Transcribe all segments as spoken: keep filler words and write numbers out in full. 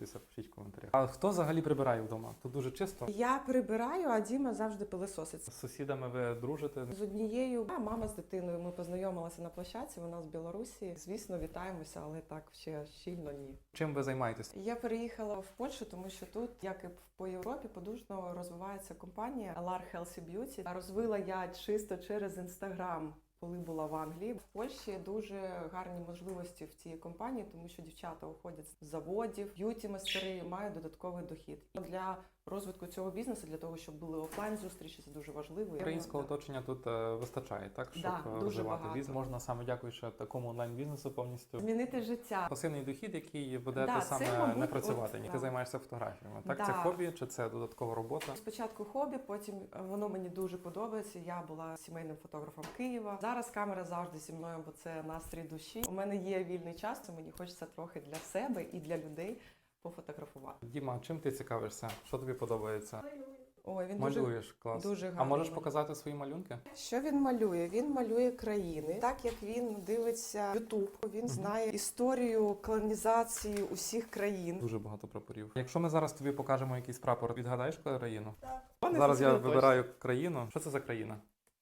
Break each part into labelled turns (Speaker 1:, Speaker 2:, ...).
Speaker 1: підписуйтеся, пишіть в коментарях. А хто взагалі прибирає вдома? Тут дуже чисто.
Speaker 2: Я прибираю, а Діма завжди пилисосить.
Speaker 1: З сусідами ви дружите?
Speaker 2: З однією а, мама з дитиною. Ми познайомилися на площадці. Вона з Білорусі. Звісно, вітаємося, але так ще щільно ні.
Speaker 1: Чим ви займаєтесь?
Speaker 2: Я переїхала в Польщу, тому що тут, як і по Європі, подужно розвивається компанія Alar Healthy Beauty. Розвила я чисто через Інстаграм. Коли була в Англії, в Польщі дуже гарні можливості в цій компанії, тому що дівчата уходять з заводів, б'юті-майстери мають додатковий дохід. І для розвитку цього бізнесу, для того, щоб були офлайн-зустрічі, це дуже важливо.
Speaker 1: Українського оточення тут е, вистачає, так? Щоб
Speaker 2: Да, дуже
Speaker 1: розвивати
Speaker 2: багато.
Speaker 1: бізнес. Можна саме дякуючи такому онлайн-бізнесу повністю.
Speaker 2: Змінити життя.
Speaker 1: Пасивний дохід, який будете
Speaker 2: Да, це,
Speaker 1: саме
Speaker 2: мабуть,
Speaker 1: не працювати.
Speaker 2: от,
Speaker 1: Ні,
Speaker 2: да.
Speaker 1: ти займаєшся фотографіями. Так,
Speaker 2: Да.
Speaker 1: це хобі чи це додаткова робота?
Speaker 2: Спочатку хобі, потім воно мені дуже подобається. Я була сімейним фотографом Києва. Зараз камера завжди зі мною, бо це настрій душі. У мене є вільний час, то мені хочеться трохи для себе і для людей пофотографувати.
Speaker 1: Діма, чим ти цікавишся? Що тобі подобається?
Speaker 2: Ой, він
Speaker 1: Малюєш,
Speaker 2: дуже,
Speaker 1: клас.
Speaker 2: дуже
Speaker 1: А
Speaker 2: гарно
Speaker 1: можеш
Speaker 2: малює.
Speaker 1: показати свої малюнки?
Speaker 2: Що він малює? Він малює країни. Так як він дивиться Ютуб, він знає історію колонізації усіх країн.
Speaker 1: Дуже багато прапорів. Якщо ми зараз тобі покажемо якийсь прапор, відгадаєш країну?
Speaker 2: Вони
Speaker 1: Зараз я
Speaker 2: зосередоточені.
Speaker 1: вибираю країну. Що це за країна?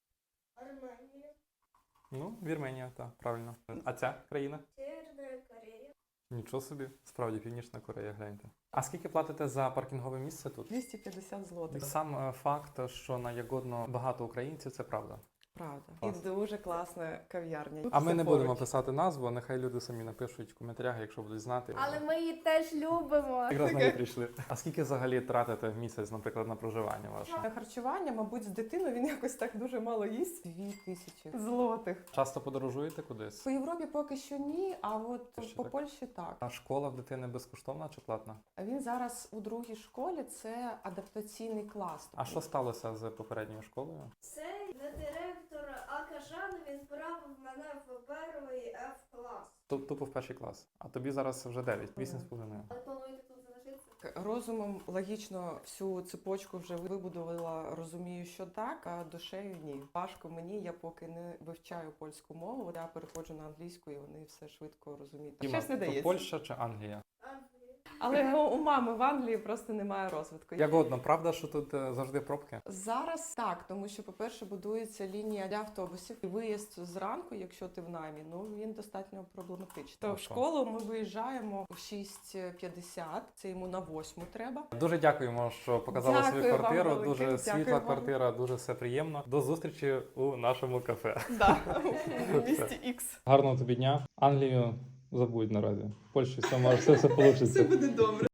Speaker 3: Арменія,
Speaker 1: Ну, Вірменія, так, правильно. А ця країна?
Speaker 3: Северна Корея,
Speaker 1: Нічого собі, справді Північна Корея, гляньте. А скільки платите за паркінгове місце тут?
Speaker 2: двісті п'ятдесят злотих.
Speaker 1: Сам е, факт, що на Ягодно багато українців, це правда.
Speaker 2: Правда.
Speaker 1: Клас.
Speaker 2: І дуже класна кав'ярня.
Speaker 1: А ми
Speaker 2: Все
Speaker 1: не
Speaker 2: поруч.
Speaker 1: будемо писати назву, нехай люди самі напишуть в коментарях, якщо будуть знати.
Speaker 3: але ми її теж любимо.
Speaker 1: Якраз на неї прийшли. А скільки взагалі тратите в місяць, наприклад, на проживання ваше?
Speaker 2: На харчування, мабуть, з дитиною він якось так дуже мало їсть. Дві тисячі злотих.
Speaker 1: Часто подорожуєте кудись?
Speaker 2: По Європі поки що ні, а от
Speaker 1: Ще
Speaker 2: по
Speaker 1: так.
Speaker 2: Польщі так.
Speaker 1: А школа в дитини безкоштовна чи платна?
Speaker 2: А він зараз у другій школі, це адаптаційний клас.
Speaker 1: А що сталося з попередньою школою?
Speaker 3: Цей не директор Акажан відправив мене в перший F-клас.
Speaker 1: Ту- Тупо в перший клас. А тобі зараз вже дев'ять, вісім з половиною.
Speaker 3: Але плануєте тут залишитися?
Speaker 2: Розумом логічно всю цепочку вже вибудувала, розумію, що так, а душею ні. Важко мені, я поки не вивчаю польську мову, я переходжу на англійську і вони все швидко розуміють.
Speaker 1: Діма,
Speaker 2: Щось не
Speaker 1: то
Speaker 2: дається.
Speaker 1: Польща чи Англія?
Speaker 3: Англія.
Speaker 2: Але ну, у мами в Англії просто немає розвитку.
Speaker 1: Ягодно, правда, що тут е, завжди пробки?
Speaker 2: Зараз так, тому що, по-перше, будується лінія для автобусів. І виїзд зранку, якщо ти в наймі, ну він достатньо проблематичний. То в
Speaker 1: що?
Speaker 2: школу ми виїжджаємо у шість п'ятдесят, це йому на восьму треба.
Speaker 1: Дуже дякуємо, що показали
Speaker 2: Дякую
Speaker 1: свою
Speaker 2: вам
Speaker 1: квартиру.
Speaker 2: велике,
Speaker 1: Дуже
Speaker 2: дякую
Speaker 1: світла
Speaker 2: вам.
Speaker 1: квартира, дуже все приємно. До зустрічі у нашому кафе.
Speaker 2: Да, в місті Ікс.
Speaker 1: Гарного тобі дня. Англію забудь наразі. В Польщі все може, все, все вийде.
Speaker 2: Все буде добре.